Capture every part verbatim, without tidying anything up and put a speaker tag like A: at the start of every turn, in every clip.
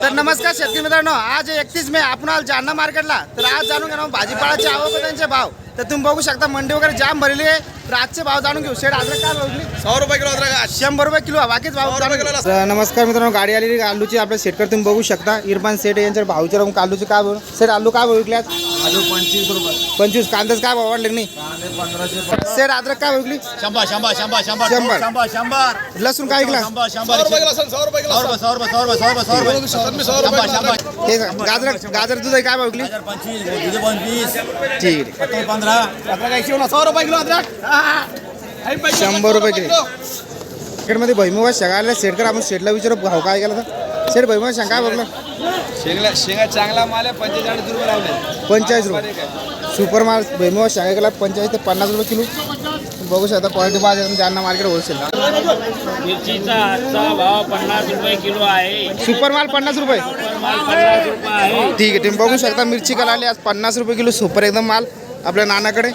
A: तर नमस्कार शेतकरी मित्रांनो, आज एकतीस मे आपण आलो जालना मार्केटला. तर आज जाणून घेणार भाजीपाल्याचे आवक व त्यांचे भाव. तर तुम्ही बघू शकता मंडी वगैरे जाम भरलेली आहे. तर आजचे भाव जाणून घेऊ. शेड अद्रक काय भाव?
B: सौ रुपये किलो अद्रक.
A: शंभर रुपये किलो. बाकीच भाव
B: सौ रुपये किलो.
A: तर नमस्कार मित्रांनो, गाडी आलेली आलूची आपल्या शेटकर तुम्ही बघू शकता. इरफान सेठ यांच्या भाव विचारून आलूचे काय भाव? सेठ आलू काय भाव विकल्यात?
B: आलू पंचवीस रुपये.
A: पंचवीस. कांद्याच काय भाव वाढले नाही?
B: पंधराशे.
A: सेठ अद्रक काय विकली?
B: शंभर शंभर शंभर शंभर
A: शंभर.
B: शंभर शंभर.
A: लसूण काय विकला?
B: शंभर शंभर. सौ रुपये किलो. सौ रुपये किलो. सौ रुपये सौ रुपये सौ रुपये सौ रुपये सौ रुपये सौ रुपये शंभर.
A: हे गाजर गाजर दूध काय भाव विकली?
B: पंचवीस दुधे पंचवीस.
A: ठीक आहे.
B: पंधरा. अद्रक ऐंशी होणार. सौ रुपये किलो अद्रक.
A: शंभर रुपये किलो. मार्केटमध्ये भैमुगा शेंगा आल्या. शेटकर आपण शेटला विचारू भाव काय केला तर? शेठ भैमुगा शेंगा काय बघलं?
B: शेंगा शेंगा चांगला माल आहे. पंचेचाळीस रुपये लावले.
A: पंचेचाळीस रुपये. सुपर माल भैमुगा शेंगा केला पंचेचाळीस ते पन्नास रुपये किलो. बघू शकता क्वालिटी बाजार जालना मार्केट होलसेल.
C: मिरचीचा आजचा भाव पन्नास रुपये किलो आहे.
A: सुपर माल पन्नास रुपये.
C: माल पन्नास रुपये आहे.
A: ठीक आहे. तुम्ही बघू शकता मिरची कला आली आज पन्नास रुपये किलो. सुपर एकदम माल आपल्या नानाकडे.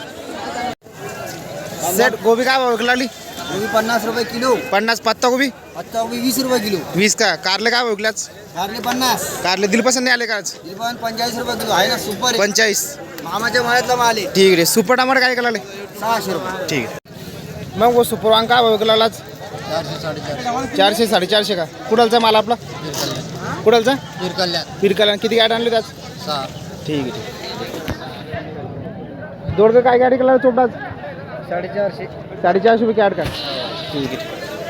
A: सेट गोबी काय भाव विकला?
D: गोबी पन्नास रुपये किलो.
A: पन्नास. पत्ता गोबी
D: पत्ता गोबी वीस रुपये किलो.
A: वीस का? कारले काय भाव विकल्याच?
D: कारले पन्नास.
A: कारले दिलपसंत नाही आले का आज?
D: पण पंचेचाळीस रुपये किलो आहे ना. सुपर आहे.
A: पंचेचाळीस.
D: मामाच्या मळ्यातला माल आहे.
A: ठीक आहे. सुपर टमाटर काय केला?
D: सहाशे रुपये.
A: ठीक आहे. मग वो सुपर वांग काय भाव विकला आज?
D: चारशे साडेचारशे.
A: चारशे साडेचारशे का? कुडालचा माल आपला? कुडालचा
D: हिरकल्यात
A: पिरकाला. किती गाडी आणली त्याच?
D: सहा.
A: ठीक आहे. ठीक आहे. दोडकं काय गाडी केला चोपडाच?
D: साडेचारशे.
A: साडेचारशे रुपये कॅड का? ठीक आहे.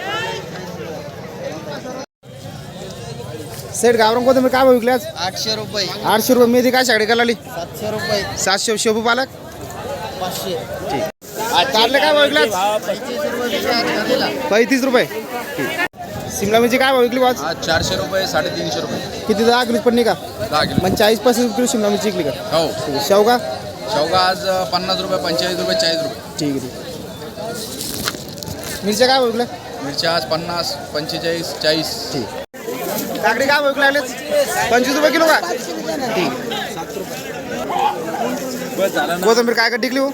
A: सेठ गावरान कोथिंबीर काय भाव विकली आज?
D: आठशे रुपये.
A: आठशे रुपये. मेथी काय शाडी करायला?
D: सातशे रुपये.
A: सातशे. शेपू पालक
D: पाचशे.
A: ठीक. कारले काय भाव विकले आज?
D: पंचवीस रुपये कारलेला.
A: पैतीस रुपये. ठीक. शिमला मिरची काय भाव विकली आज?
B: आज चारशे रुपये साडेतीनशे रुपये.
A: किती? दहा किलो पडली का?
B: दहा किलो.
A: म्हणजे चाळीस पस्तीस किलो शिमला मिरची विकली का?
B: हो.
A: ठीक आहे. शेवगा?
B: शेवगा आज पन्नास रुपये पंचेचाळीस रुपये चाळीस रुपये.
A: ठीक आहे. ठीक. मिरच्या काय भाव विकल्या?
B: मिरच्या आज पन्नास पंचेचाळीस चाळीस.
A: ठीक. काकडी काय भाव विकल्या लागले? पंचवीस रुपये किलो का? ठीक. कोथिंबीर काय गड्डी विकली हो?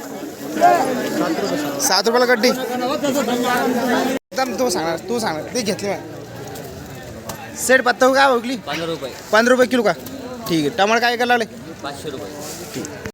A: सात रुपयाला गड्डी. एकदम तू सांगणार तू सांगणार ते घेतली. सेट पत्ता काय भाव विकली?
C: पंधरा रुपये.
A: पंधरा रुपये किलो का? ठीक आहे. टमाटर काय करायला लागले?
C: पाचशे रुपये.
A: ठीक.